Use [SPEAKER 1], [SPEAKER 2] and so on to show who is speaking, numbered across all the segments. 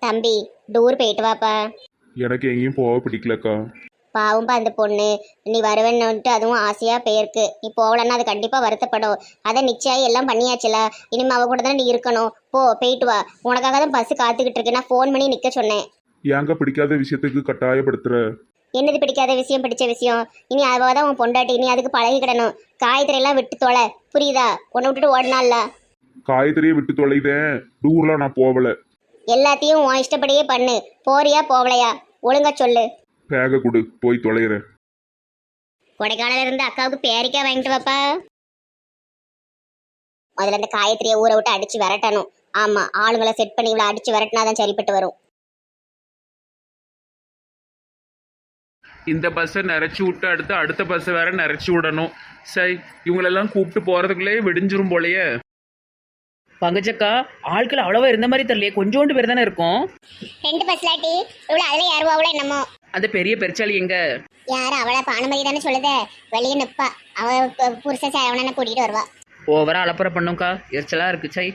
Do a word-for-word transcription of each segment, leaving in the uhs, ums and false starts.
[SPEAKER 1] தம்பி டூர் போயிட்டு வாப்பா.
[SPEAKER 2] எனக்கு எங்கேயும் போக பிடிக்கலக்கா.
[SPEAKER 1] பாவம்பா அந்த பொண்ணு, நீ வருவேன்னுட்டு அதுவும் ஆசையா போயிருக்கு. நீ போகலன்னா அது கண்டிப்பா வருத்தப்படும். அதை நிச்சயம் எல்லாம் பண்ணியாச்சுல, இனிமே அவ கூட தானே நீ இருக்கணும். போ போயிட்டு வா. உனக்காக தான் பஸ் காத்துக்கிட்டு இருக்கு. நான் ஃபோன் பண்ணி நிக்க சொன்னேன்.
[SPEAKER 2] ஏங்க பிடிக்காத விஷயத்துக்கு கட்டாயப்படுத்துற?
[SPEAKER 1] என்னது பிடிக்காத விஷயம் பிடிச்ச விஷயம்? இனி அவ தான் உன் பொண்டாட்டி, நீ அதுக்கு பழகிக்கிடணும். காய்கறி எல்லாம் விட்டு தொலை, புரியுதா? உன்னை விட்டுட்டு ஓடினால
[SPEAKER 2] காய்கறியை விட்டு தொலைதேன். டூர்லாம் நான் போகல.
[SPEAKER 1] எல்லாத்தையும் உன் இஷ்டப்படியே பண்ணு. போறியா போகலையா ஒழுங்கா சொல்லு.
[SPEAKER 2] பேக கொடு, போய் தொலைகிறேன்.
[SPEAKER 1] கொடைக்கானல இருந்து அக்காவுக்கு பேரிக்காய் வாங்கிட்டு வாப்பா. முதல்ல இந்த காயத்திரியை ஊற விட்டு அடிச்சு விரட்டணும். ஆமா, ஆளுங்களை செட் பண்ணி இவ்வளவு அடிச்சு விரட்டினாதான் சரிப்பட்டு வரும்.
[SPEAKER 3] இந்த பஸ்ஸை நிறச்சி விட்டு அடுத்து அடுத்த பஸ்ஸை வேற நிறச்சி விடணும். சரி, இவங்களெல்லாம் கூப்பிட்டு போகிறதுக்குள்ளே விடிஞ்சிரும் போலையே.
[SPEAKER 4] பங்கஜக்கா, ஆட்கள் அவ்வளவா இருந்த மாதிரி தெரியலையே, கொஞ்சோண்டு பேர் தானே இருக்கும்.
[SPEAKER 1] ரெண்டு பஸ்லாட்டி இவ்வளவு அதுல யாருவாவளோ என்னமோ.
[SPEAKER 4] அந்த பெரிய பெருச்சாளி எங்க?
[SPEAKER 1] யாரு அவளை பானுமதி தானே சொல்லுத. வெளியே நிப்பா. அவ புருஷ சேவன கூட்டிட்டு வருவா.
[SPEAKER 4] ஓவரா அலப்பறை பண்ணும்க்கா, எரிச்சலா இருக்கு. சை,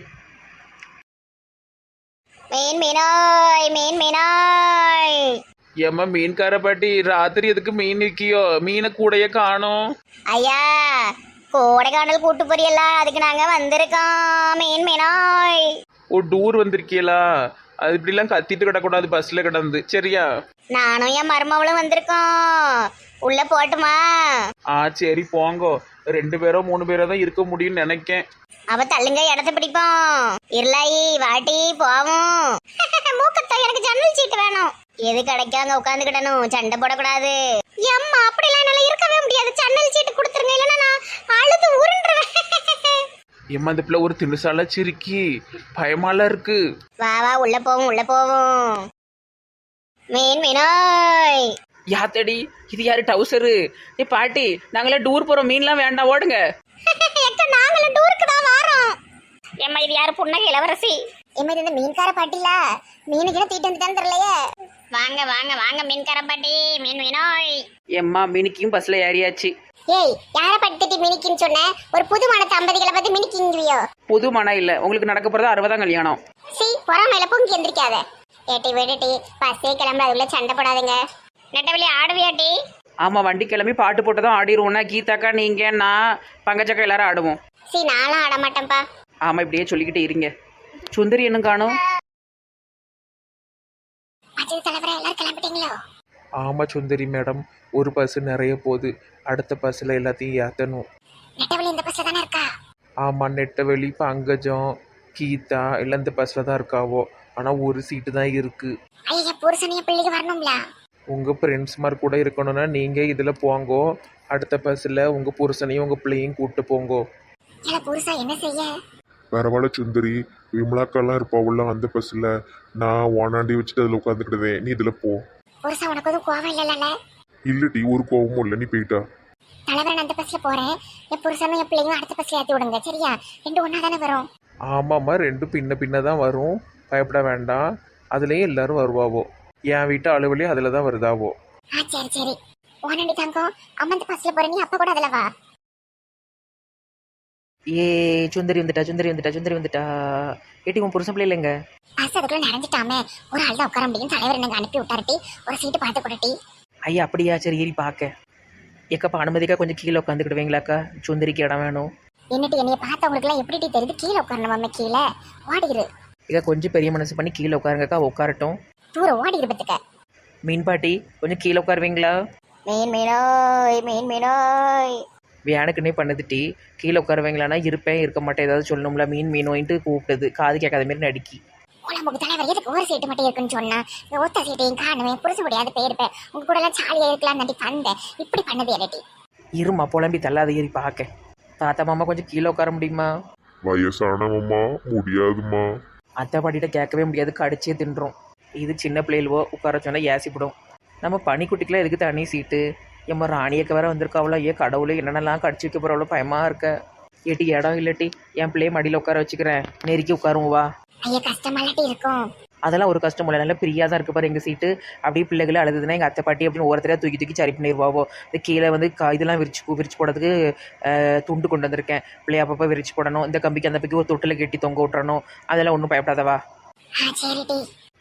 [SPEAKER 1] மீன் மீனாய் மீன் மீனாய்.
[SPEAKER 3] ஏம்மா மீன்கார பாட்டி, ராத்திரி எதுக்கு மீன் விற்கியோ? மீனை கூடைய காணோம்.
[SPEAKER 1] ஐயா, கோடைக்கானல் கூட்டு போறியல்ல, அதுக்கு நாங்க வந்திருக்கோம். மீன் மீனாய்.
[SPEAKER 3] ஓ, டூர் வந்திருக்கீங்களா? அது இப்படிலாம் கத்திட்டு கிடக்கூடாது பஸ்ல கிடந்து, சரியா?
[SPEAKER 1] நானும் என் மருமவளும் வந்திருக்கோம். உள்ள போட்டுமா?
[SPEAKER 3] ஆ சரி, போங்கோ. ரெண்டு பேரோ மூணு பேரோ தான் இருக்க முடியும்னு நினைக்கேன்.
[SPEAKER 1] அவ தள்ளுங்க, இடத்த பிடிப்போம். இருளாயி வாட்டி போவோம். மூக்கத்தா, எனக்கு ஜன்னல் சீட்டு வேணும். எது கிடைக்காங்க உட்காந்துக்கிடணும், சண்டை போடக்கூடாது. எம்மா, அப்படிலாம் என்னால இருக்கவே முடியாது. ஜன்னல் சீட்டு கொடுத்துருங்க, இல்லைன்னா நான் அழுது உருண்டுருவேன்.
[SPEAKER 3] ஏம்மா, அந்த பிள்ளை ஒரு திணுசால சிரிக்கி, பயமாலாம் இருக்கு.
[SPEAKER 1] வா வா, உள்ள போவோம் உள்ள போவோம். மீன் மீனாய்.
[SPEAKER 4] யாத்தடி, இது யாரு டவுசரு? ஏ பாட்டி, நாங்களாம் டூர் போறோம், மீன்லாம் வேண்டாம், ஓடுங்க.
[SPEAKER 1] நாங்களும் டூருக்கு தான் வரோம். ஏம்மா, இது யாரு? புன்னகை இளவரசி. ஏம்மா, இது இந்த மீன்கார பாட்டில மீனுக்கு தீட்டு வந்துட்டான்னு தெரியலையே. வாங்க வாங்க வாங்க மீன்கார பாட்டி, மீன் மீனாய்.
[SPEAKER 4] எம்மா, மினிக்கியும் பஸ்ல ஏறியாச்சு.
[SPEAKER 1] ஏய், யார பட்டிட்டு மினிக்கின்னு சொன்ன? ஒரு புது மன தம்பதிகளை பார்த்து மினிக்கிங்கிவியோ?
[SPEAKER 4] புது மனம் இல்ல, உங்களுக்கு நடக்க போறது அறுபதாம் கல்யாணம்.
[SPEAKER 1] சி, பொறாமையில பொங்கி எந்திரிக்காத. ஏட்டி விடுட்டி, பஸ்ஸே கிளம்புற, அதுக்குள்ள சண்டை போடாதுங்க. நெட்டவெளி ஆடுவியாட்டி?
[SPEAKER 4] ஆமா, வண்டி கிளம்பி பாட்டு போட்டுதான் ஆடிடுவோம்னா, கீதாக்கா நீங்க நான் பங்கஜக்கா எல்லாரும் ஆடுவோம்.
[SPEAKER 1] சி, நானும் ஆட மாட்டேன்ப்பா.
[SPEAKER 4] ஆமா, இப்படியே சொல்லிக்கிட்டு இருங்க. சுந்தரி என்ன காணும்?
[SPEAKER 1] தலைவரை எல்லாரும் கிளம்பிட்டீங்களோ?
[SPEAKER 3] ஆமா சுந்தரி மேடம், ஒரு பஸ் நிறைய போகுது. அடுத்த பஸ்ல எல்லாத்தையும் ஏத்தணும்.
[SPEAKER 1] நெட்டவெளி இந்த பஸ்ல தானே இருக்கா?
[SPEAKER 3] ஆமா, நெட்டவெளி, பங்கஜம், கீதா எல்லாம் இந்த பஸ்ல தான் இருக்காவோ. ஆனா ஒரு சீட்டு தான் இருக்கு.
[SPEAKER 1] ஐயா, புருஷனைய பிள்ளைக்கு வரணும்ல.
[SPEAKER 3] உங்க ஃப்ரெண்ட்ஸ் மாதிரி கூட இருக்கணும்னா நீங்க இதுல போங்கோ. அடுத்த பஸ்ல உங்க புருஷனையும் உங்க பிள்ளையும் கூப்பிட்டு போங்கோ.
[SPEAKER 1] இல்ல, புருஷா என்ன செய்ய?
[SPEAKER 2] பரவாயில்ல சுந்தரி, விமலாக்கெல்லாம் இருப்பாவுல அந்த பஸ்ல. நான் ஓனாண்டி வச்சுட்டு அதில் உட்காந்துக்கிடுவேன். நீ இதில் போ.
[SPEAKER 1] புருஷா, உனக்கு எதுவும் கோவம் இல்லைல்ல?
[SPEAKER 2] இல்லடி, ஒரு கோவமும் இல்லை. நீ போயிட்டா.
[SPEAKER 1] தலைவரை நான் அந்த பஸ்ல போறேன். என் புருஷனும் என் பிள்ளையும் அடுத்த பஸ்ல ஏற்றி விடுங்க, சரியா? ரெண்டு ஒன்னா தானே வரும்.
[SPEAKER 3] ஆமாம்மா, ரெண்டும் பின்ன பின்ன தான் வரும். பயப்பட வேண்டாம். அதுலேயும் எல்லாரும் வருவாவோ. என் வீட்டு அலுவலி அதில் தான் வருதாவோ.
[SPEAKER 1] ஆ சரி சரி. ஓனாண்டி தங்கம், அம்மா அந்த பஸ்ல போற, நீ அப்ப கூட அதில் வா.
[SPEAKER 4] ஏ சுந்தரி வந்துட்டா, சுந்தரி வந்துட்டா, சுந்தரி வந்துட்டா. ஏட்டி, உன் புருஷன் பிள்ளை இல்லைங்க?
[SPEAKER 1] பஸ் அதுக்குள்ள நிறைஞ்சிட்டாமே, ஒரு ஆள் தான் உட்கார முடியும். தலைவர் எனக்கு அனுப்பி விட்டாருட்டி, ஒரு சீட்டு பார்த்து கொடுட்டி.
[SPEAKER 4] ஐயா, அப்படியா? சரி, ஏறி பார்க்க. ஏக்கப்பா, அனுமதிக்கா கொஞ்சம் கீழே உட்காந்துக்கிடுவீங்களாக்கா? சுந்தரிக்கு இடம் வேணும்.
[SPEAKER 1] என்னட்டு என்னைய பார்த்தவங்களுக்கு எல்லாம் எப்படி தெரியுது? கீழே உட்காரணுமாமே, கீழே ஓடிரு.
[SPEAKER 4] இக்கா, கொஞ்சம் பெரிய மனசு பண்ணி கீழே உட்காருங்கக்கா. உட்காரட்டும்.
[SPEAKER 1] தூரம் ஓடிரு பத்துக்க.
[SPEAKER 4] மீன் பாட்டி, கொஞ்சம் கீழே உட்காருவீங்களா?
[SPEAKER 1] மீன் மீனோய் மீன் மீனோய்.
[SPEAKER 4] வேனுக்குன்னே பண்ணுதுட்டி, கீழே உட்காருவீங்களானா இருப்பேன் இருக்க மாட்டேன் ஏதாவது சொல்லணும்ல. மீன் மீனோயின்ட்டு கூப்பிட்டது, காது கேட்காத மாதிரி நடிக்கி.
[SPEAKER 1] உலமுக்கு தலைவர் எதுக்கு ஒரு சீட்டு மட்டும் இருக்குன்னு சொன்னா, ஒத்த சீட்டையும் காணுவேன். புரிச முடியாது போயிருப்பேன். உங்க கூட எல்லாம் சாலியா இருக்கலாம் நடி வந்தேன். இப்படி பண்ணது எலட்டி.
[SPEAKER 4] இருமா, புலம்பி தள்ளாத, ஏறி பார்க்க. தாத்தா மாமா கொஞ்சம் கீழே உட்கார முடியுமா?
[SPEAKER 2] வயசானவம்மா, முடியாதுமா.
[SPEAKER 4] அத்தை பாட்டிகிட்ட கேட்கவே முடியாது, கடிச்சே தின்றோம். இது சின்ன பிள்ளைகளோ உட்கார சொன்னால் ஏசிப்படும். நம்ம பனிக்குட்டிக்கெலாம் எதுக்கு தனி சீட்டு? எம்மா, ராணியக்க வேற வந்திருக்காவளோ. ஏன் கடவுளே, என்னென்னலாம் கடிச்சு வைக்க போகிறவளோ, பயமாக இருக்க. ஏட்டி, இடம் இல்லட்டி என் பிள்ளைய மடியில் உட்கார வச்சுக்கிறேன். நெருக்கி உட்காருவோம் வா.
[SPEAKER 1] ஐயா, கஷ்டமாலாட்டி இருக்கும்.
[SPEAKER 4] அதெல்லாம் ஒரு கஷ்டம் இல்லை, நல்லா பிரியாக தான் இருக்கு பாரு எங்கள் சீட்டு. அப்படியே பிள்ளைகளை அழுதுதுன்னா எங்கள் அத்தை பாட்டி அப்படின்னு ஒருத்தரையாக தூக்கி தூக்கி சரி பண்ணிடுவாவோ. இந்த கீழே வந்து கா இதெல்லாம் விரிச்சு விரிச்சு போடுறதுக்கு துண்டு கொண்டு வந்திருக்கேன். பிள்ளைய அப்பப்போ விரிச்சு போடணும். இந்த கம்பிக்கு அந்த பக்கம் ஒரு தொட்டில் கட்டி தொங்க விட்டுறணும். அதெல்லாம் ஒன்றும் பயப்படாதவா.
[SPEAKER 1] சரிடி.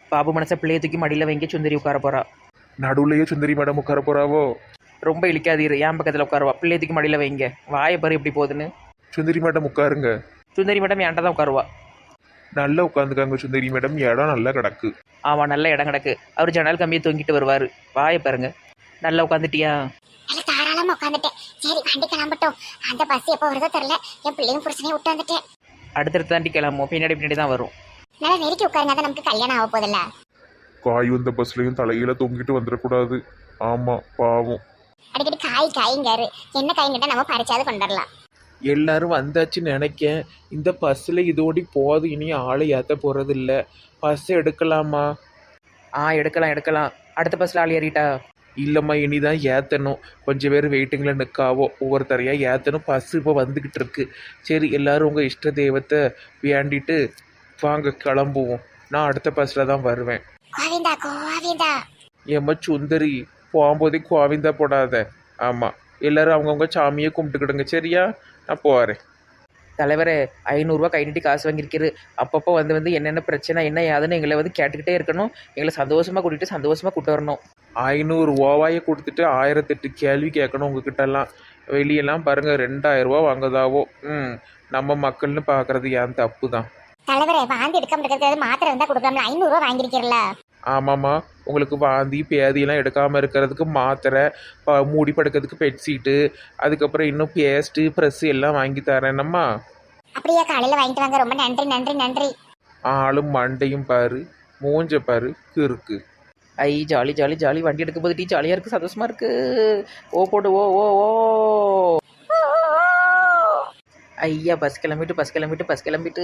[SPEAKER 4] பாபு மனசை பிள்ளைய தூக்கி மடியில் வைங்க சுந்தரி உட்கார போறா.
[SPEAKER 3] நடுவுலையே சுந்தரி மேடம் உட்கார போறாவோ?
[SPEAKER 4] ரொம்ப இழிக்காதீரு, என் பக்கத்தில் உட்காருவா. பிள்ளைய தூக்கி மடியில் வைங்க. வாயை பாரு எப்படி போகுதுன்னு.
[SPEAKER 3] சுந்தரி மேடம் உட்காருங்க.
[SPEAKER 4] சுந்தரி மேடம் என்கிட்ட தான் உட்காருவா.
[SPEAKER 3] நல்லா உட்காந்துக்காங்க சுந்தரி மேடம், இடம் நல்லா கிடக்கு.
[SPEAKER 4] ஆமாம், நல்ல இடம் கிடக்கு. அவர் ஜன்னல் கம்பியை தொங்கிட்டு வருவார். வாயை பாருங்க. நல்லா உட்காந்துட்டியா?
[SPEAKER 1] நல்ல தாராளமா உட்காந்துட்டேன். சரி வண்டி கிளம்பட்டும். அந்த பஸ் எப்போ வருதோ தெரியல. என் பிள்ளையும் புருஷனையும் விட்டு வந்துட்டேன்.
[SPEAKER 4] அடுத்தடுத்து தாண்டி கிளம்பும், பின்னாடி பின்னாடி தான் வரும்.
[SPEAKER 1] நல்லா நெருக்கி உட்காருங்க, தான் நமக்கு கல்யாணம் ஆக போதில்ல.
[SPEAKER 2] காய் வந்த பஸ்லயும் தலையில தொங்கிட்டு வந்துடக்கூடாது. ஆமா பாவம்.
[SPEAKER 1] அடிக்கடி காய் காய்ங்காரு. என்ன காய்ங்கிட்ட நம்ம பறிச்சாவது கொண்டுடலாம்.
[SPEAKER 3] எல்லாரும் வந்தாச்சுன்னு நினைக்கேன். இந்த பஸ்ஸில் இதோடி போது, இனி ஆளை ஏற்ற போகிறது இல்லை. பஸ் எடுக்கலாமா?
[SPEAKER 4] ஆ எடுக்கலாம் எடுக்கலாம். அடுத்த பஸ்ஸில் ஆள் ஏறிட்டா?
[SPEAKER 3] இல்லைம்மா, இனிதான் ஏற்றணும். கொஞ்சம் பேர் வெயிட்டிங்கில் நிற்காவோ, ஒவ்வொருத்தரையாக ஏற்றணும். பஸ்ஸு இப்போ வந்துக்கிட்டு இருக்கு. சரி, எல்லாரும் உங்கள் இஷ்ட தெய்வத்தை வேண்டிட்டு வாங்க கிளம்புவோம். நான் அடுத்த பஸ்ஸில் தான் வருவேன்.
[SPEAKER 1] கோவிந்தா கோவிந்தா.
[SPEAKER 3] ஏம்மா சுந்தரி, போகும்போதே கோவிந்தா போடாத. ஆமாம், எல்லாரும் அவங்கவுங்க சாமியை கும்பிட்டுக்கிடுங்க. சரியா? நான் போகிறேன்.
[SPEAKER 4] தலைவரே, ஐநூறுரூவா கை நீட்டி காசு வாங்கியிருக்காரு. அப்பப்போ வந்து வந்து என்னென்ன பிரச்சனை என்ன ஏதுன்னு எங்களை வந்து கேட்டுக்கிட்டே இருக்கணும். எங்களை சந்தோஷமாக கூட்டிகிட்டு சந்தோஷமாக கூட்டு வரணும்.
[SPEAKER 3] ஐநூறு ஓவாயை கொடுத்துட்டு ஆயிரத்தெட்டு கேள்வி கேட்கணும் உங்ககிட்டலாம். வெளியெல்லாம் பாருங்கள் ரெண்டாயிரம் ரூபா வாங்குதாவோ. ம் நம்ம மக்கள்னு பார்க்குறது ஏன் தப்பு தான்.
[SPEAKER 1] தலைவரே, வாந்தி எடுக்காம இருக்கிறது மாத்திரை இருந்தா கொடுக்கலாம்ல. ஐநூறு ரூபா வாங்கிருக்கீங்கள?
[SPEAKER 3] ஆமாம்மா, உங்களுக்கு வாந்தி பேதியெல்லாம் எடுக்காமல் இருக்கிறதுக்கு மாத்திரை, ப- மூடி படுக்கிறதுக்கு பெட்ஷீட்டு, அதுக்கப்புறம் இன்னும் பேஸ்ட்டு ப்ரெஸ்ஸு எல்லாம் வாங்கி தரேனம்மா.
[SPEAKER 1] அப்படியே காலையில வாங்கிட்டு வாங்க. ரொம்ப நன்றி நன்றி நன்றி.
[SPEAKER 3] ஆளும் மண்டையும் பாரு, மூஞ்ச பாரு, கிறுக்கு.
[SPEAKER 4] ஐ ஜாலி ஜாலி ஜாலி. வண்டி எடுக்கும் போது டீ ஜாலியாக இருக்குது, சந்தோஷமாக இருக்குது. ஓ போடு ஓ ஓ ஓ. ஐயா, பஸ் கிளம்பிட்டு பஸ் கிளம்பிட்டு பஸ் கிளம்பிட்டு.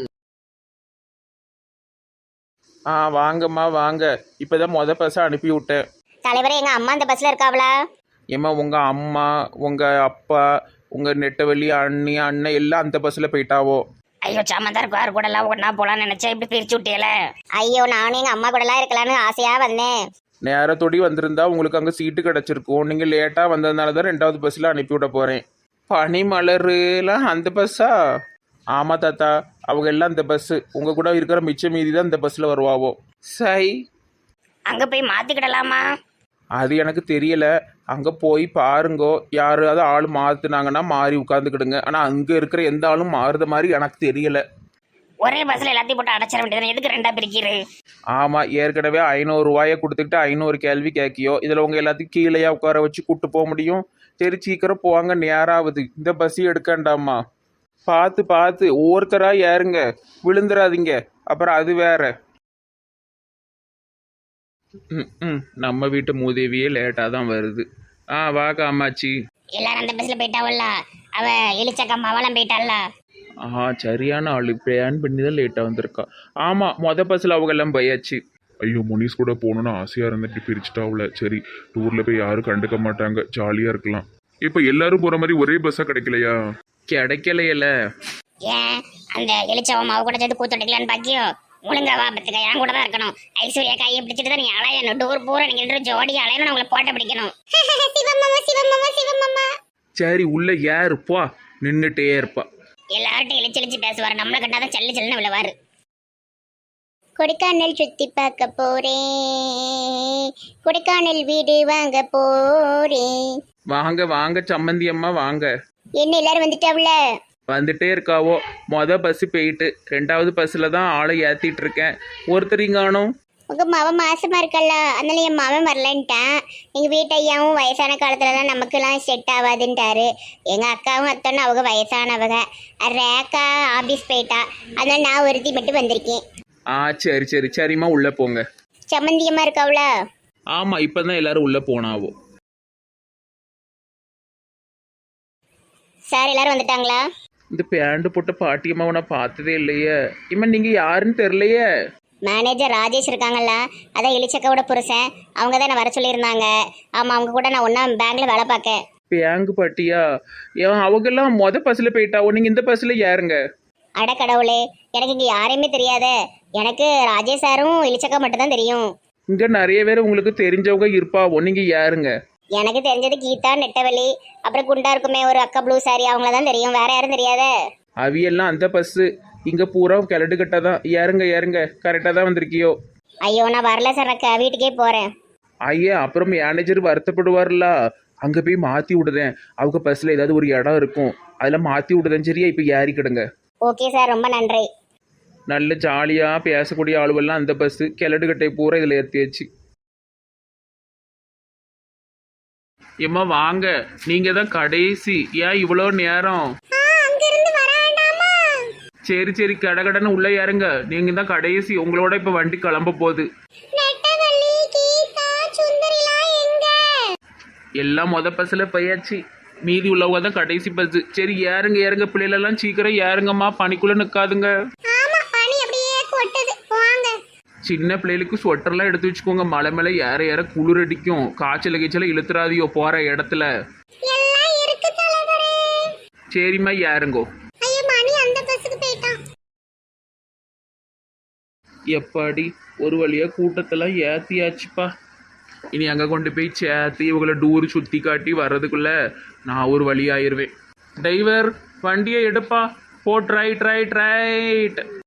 [SPEAKER 3] ஆ வாங்கம்மா வாங்க. இப்போ தான் மொதல் பஸ்ஸை அனுப்பி விட்டேன்.
[SPEAKER 1] தலைவரே, எங்க அம்மா இந்த பஸ்ல இருக்காவளா?
[SPEAKER 3] ஏம்மா உங்கள் அம்மா, உங்கள் அப்பா, உங்கள் நெட்டவள்ளி அண்ணி அண்ணன் எல்லாம் அந்த பஸ்ஸில் போயிட்டாவோ?
[SPEAKER 1] ஐயோ, சமந்தார் கார் கூட எல்லாம் ஒன்னா போலான்னு நினைச்சா இப்படி பிரிச்சு விட்டியல. ஐயோ, நானும் எங்க அம்மா கூட எல்லாம் இருக்கலாம்னு ஆசையா வந்தேன்.
[SPEAKER 3] நேரத்தோடி வந்திருந்தா உங்களுக்கு அங்கே சீட்டு கிடச்சிருக்கும். நீங்கள் லேட்டாக வந்ததுனால தான் ரெண்டாவது பஸ்ஸில் அனுப்பி விட போகிறேன். பனிமலருலாம் அந்த பஸ்ஸா? ஆமாம் தாத்தா, அவங்க எல்லாம் இந்த பஸ்ஸு. உங்கள் கூட இருக்கிற மிச்ச மீதி தான் இந்த பஸ்ஸில் வருவாவோ. சை,
[SPEAKER 1] அங்க போய் மாத்திக்கிடலாமா?
[SPEAKER 3] அது எனக்கு தெரியல. அங்கே போய் பாருங்கோ, யாராவது ஆள் மாற்றினாங்கன்னா மாறி உட்காந்துக்கிடுங்க. ஆனால் அங்கே இருக்கிற எந்த ஆளும் மாறுத மாதிரி எனக்கு தெரியல.
[SPEAKER 1] ஒரே பஸ்ல எல்லாத்தையும் போட்டு அடைச்சிட வேண்டியது. எதுக்கு ரெண்டா பிரிக்கிறது?
[SPEAKER 3] ஆமாம், ஏற்கனவே ஐநூறு ரூபாயை கொடுத்துக்கிட்டு ஐநூறு கேள்வி கேட்கியோ. இதில் உங்கள் எல்லாத்தையும் கீழேயா உட்கார வச்சு கூட்டு போக முடியும்? சரி, சீக்கிரம் போவாங்க, நேராகுது. இந்த பஸ்ஸையும் எடுக்கண்டாமா. பார்த்து பார்த்து ஒவ்வொருத்தராக ஏறுங்க, விழுந்துடாதீங்க. அப்புறம் அது வேற. ம் ம் நம்ம வீட்டு மூதேவியே லேட்டாக தான் வருது. ஆ வா காமாச்சி.
[SPEAKER 1] எல்லாரும் அந்த பஸ்ல போயிட்டாவல்ல. அவ எலிச்சக்கம் அவளும் போயிட்டாள்ல.
[SPEAKER 3] ஆ சரியான ஆள், பிளான் பண்ணி தான் லேட்டாக வந்திருக்கா. ஆமாம், மொதல் பஸ்ஸில் அவங்க எல்லாம் போயாச்சு.
[SPEAKER 2] ஐயோ, முனிஸ் கூட போகணுன்னு ஆசையா இருந்துட்டு பிரிச்சுட்டாவுல. சரி, டூர்ல போய் யாரும் கண்டுக்க மாட்டாங்க, ஜாலியா இருக்கலாம். இப்ப எல்லாரும் போற மாதிரி ஒரே பஸ்ஸா கிடைக்கலையா?
[SPEAKER 3] கிடைக்கலையில.
[SPEAKER 1] ஏன் அந்த எலிச்சவம் அவ கூட சேர்த்து கூத்துடைக்கலான்னு பாக்கியோ? ஒழுங்கா வா பத்துக்க, என் கூட தான் இருக்கணும். ஐஸ்வர்யா கையை பிடிச்சிட்டு தான் நீ அலையணும். டூர் பூரா நீங்க ரெண்டு ஜோடி அலையணும். உங்களை போட்ட பிடிக்கணும். சிவமாமா சிவமாமா சிவமாமா.
[SPEAKER 3] சரி, உள்ள ஏறுப்பா, நின்றுட்டே இருப்பா.
[SPEAKER 1] எல்லார்ட்டும் இழிச்சு இழிச்சு பேசுவாரு. நம்மளை கண்டாதான் சல்லு சல்லுன்னு விழுவாரு. கொடைக்கானல் சுத்தி பார்க்க போறேன், கொடைக்கானல் வீடு வாங்க போறேன்.
[SPEAKER 3] வாங்க வாங்க சம்மந்தி அம்மா வாங்க.
[SPEAKER 1] என்ன எல்லாரும் வந்துட்டாவுல?
[SPEAKER 3] வந்துட்டே இருக்காவோ. மொதல் பஸ்ஸு போயிட்டு ரெண்டாவது பஸ்ஸில் தான் ஆளை ஏற்றிட்டு இருக்கேன். ஒருத்தரிங்கானோ.
[SPEAKER 1] உங்க மவன் மாசமா இருக்கல்ல, அதனால என் மவன் வரலன்ட்டான். எங்க வீட்டு ஐயாவும் வயசான காலத்துலலாம் நமக்குலாம் செட் ஆகாதுன்ட்டாரு. எங்க அக்காவும் அத்தனும் அவங்க வயசானவங்க. ரேக்கா ஆபீஸ் போயிட்டா, அதனால நான் ஒருத்தி மட்டும் வந்திருக்கேன்.
[SPEAKER 3] ஆ சரி சரி சரிம்மா, உள்ளே போங்க.
[SPEAKER 1] சம்மந்தியமா இருக்காவுல?
[SPEAKER 3] ஆமாம், இப்போ தான் எல்லாரும் உள்ளே போனாவோ.
[SPEAKER 1] சார் எல்லாரும் வந்துட்டாங்களா?
[SPEAKER 3] இந்த பேண்டு போட்ட பாட்டியம்மாவை நான் பார்த்ததே இல்லையே. இம்மா நீங்கள் யாருன்னு தெரிலையே.
[SPEAKER 1] மேனேஜர் ராஜேஷ் இருக்காங்கல்ல, அதான் எலிச்சக்காவோட புருஷன். அவங்க தான் வர சொல்லியிருந்தாங்க. ஆமாம், அவங்க கூட நான் ஒன்றா பேங்க்ல வேலை பார்க்கேன்.
[SPEAKER 3] பேங்கு பாட்டியா? ஏன் அவங்கெல்லாம் மொதல் பஸ்ஸில் போயிட்டாவோ, நீங்கள் இந்த பஸ்ஸில் ஏறுங்க.
[SPEAKER 1] அட கடவுளே, எனக்கு இங்கே யாரையுமே தெரியாதே. எனக்கு ராஜேஷ் சாரும் எலிச்சக்கா மட்டும் தான் தெரியும்.
[SPEAKER 3] இங்கே நிறைய பேர் உங்களுக்கு தெரிஞ்சவங்க இருப்பாவோ, நீங்கள் ஏறுங்க.
[SPEAKER 1] எனக்கு தெரிஞ்சது கீதா, நெட்டவலி, அப்புறம் குண்டா இருக்குமே ஒரு அக்கா ப்ளூ சாரி, அவங்கள தான் தெரியும். வேற யாரும் தெரியாதே.
[SPEAKER 3] அவியெல்லாம் அந்த பஸ்ஸு. இங்கே பூரா கிளடு கட்ட தான். ஏறுங்க ஏறுங்க, கரெக்டாக தான் வந்திருக்கியோ.
[SPEAKER 1] ஐயோ நான் வரல சரக்கா, வீட்டுக்கே போறேன்.
[SPEAKER 3] ஐயா அப்புறம் மேனேஜர் வருத்தப்படுவார்ல, அங்கே போய் மாற்றி விடுதேன். அவங்க பஸ்ஸில் ஏதாவது ஒரு இடம் இருக்கும், அதில் மாற்றி விடுதேன். சரியா, இப்போ ஏறிக்கிடுங்க.
[SPEAKER 1] ஓகே சார், ரொம்ப நன்றி.
[SPEAKER 3] நல்ல ஜாலியாக பேசக்கூடிய ஆளுவெல்லாம் அந்த பஸ்ஸு கிளடுகட்டை பூரா இதில் ஏற்றியாச்சு. ஏம்மா வாங்க, நீங்கள் தான் கடைசி. ஏன் இவ்வளோ நேரம்? சரி சரி, கடகடன்னு உள்ளே ஏறுங்க. நீங்கள் தான் கடைசி, உங்களோட இப்போ வண்டி கிளம்ப போகுது. எல்லாம் மொத பஸ்ஸில் போயாச்சு, மீதி உள்ளவங்க தான் கடைசி பஸ்ஸு. சரி ஏறுங்க ஏறுங்க, பிள்ளைகளெல்லாம் சீக்கிரம் ஏறுங்கம்மா, பனிக்குள்ளே நிற்காதுங்க. சின்ன பிள்ளைகளுக்கு ஸ்வெட்டர்லாம் எடுத்து வச்சுக்கோங்க, மலை மேலே ஏற ஏற குளிர் அடிக்கும். காய்ச்சல் கீச்சல இழுத்துறாதியோ போகிற இடத்துல. சரிம்மா ஏறுங்கோ. எப்பாடி ஒரு வழியாக கூட்டத்தெல்லாம் ஏற்றியாச்சுப்பா. இனி அங்கே கொண்டு போய் சேர்த்து இவங்களை டூர் சுற்றி காட்டி வர்றதுக்குள்ள நான் ஒரு வழி ஆயிடுவேன். டிரைவர் வண்டியை எடுப்பா, போட் ரைட் ரைட் ரைட்.